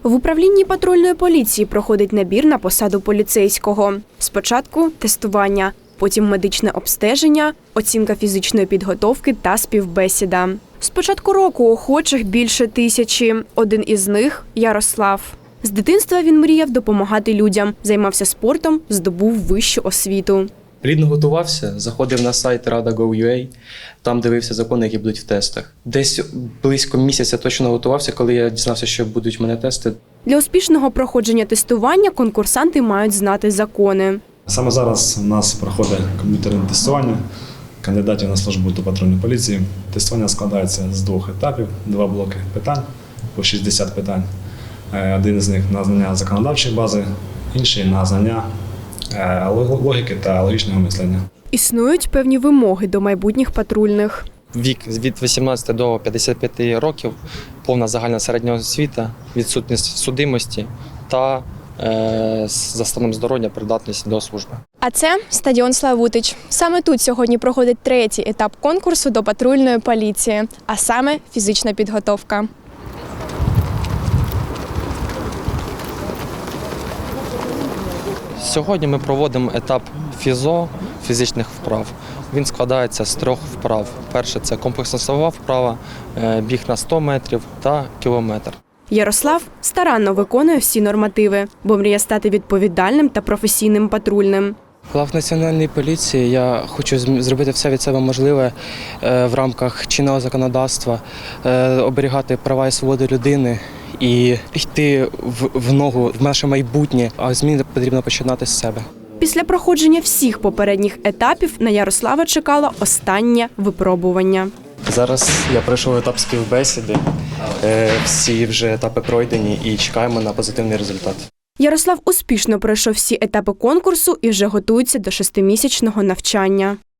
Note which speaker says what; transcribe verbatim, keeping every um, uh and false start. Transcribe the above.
Speaker 1: В управлінні патрульної поліції проходить набір на посаду поліцейського. Спочатку тестування, потім медичне обстеження, оцінка фізичної підготовки та співбесіда. З початку року охочих більше тисячі. Один із них – Ярослав. З дитинства він мріяв допомагати людям, займався спортом, здобув вищу освіту.
Speaker 2: Плідно готувався, заходив на сайт рада крапка гов крапка ю а, там дивився закони, які будуть в тестах. Десь близько місяця точно готувався, коли я дізнався, що будуть в мене тести.
Speaker 1: Для успішного проходження тестування конкурсанти мають знати закони.
Speaker 3: Саме зараз у нас проходить комп'ютерне тестування кандидатів на службу до патрульної поліції. Тестування складається з двох етапів, два блоки питань, по шістдесят питань. Один з них на знання законодавчої бази, інший на знання логіки та логічного мислення.
Speaker 1: Існують певні вимоги до майбутніх патрульних.
Speaker 4: Вік від вісімнадцяти до п'ятдесяти п'яти років, повна загальна середня освіта, відсутність судимості та е, за станом здоров'я придатність до служби.
Speaker 1: А це стадіон Славутич. Саме тут сьогодні проходить третій етап конкурсу до патрульної поліції, а саме фізична підготовка.
Speaker 4: Сьогодні ми проводимо етап фізо, фізичних вправ. Він складається з трьох вправ. Перше – це комплексна силова вправа, біг на сто метрів та кілометр.
Speaker 1: Ярослав старанно виконує всі нормативи, бо мріє стати відповідальним та професійним патрульним.
Speaker 2: Глав національної поліції я хочу зробити все від себе можливе в рамках чинного законодавства, оберігати права і свободи людини і йти в, в ногу, в наше майбутнє, а зміни потрібно починати з себе.
Speaker 1: Після проходження всіх попередніх етапів на Ярослава чекало останнє випробування.
Speaker 2: Зараз я пройшов етап співбесіди, всі вже етапи пройдені і чекаємо на позитивний результат.
Speaker 1: Ярослав успішно пройшов всі етапи конкурсу і вже готується до шестимісячного навчання.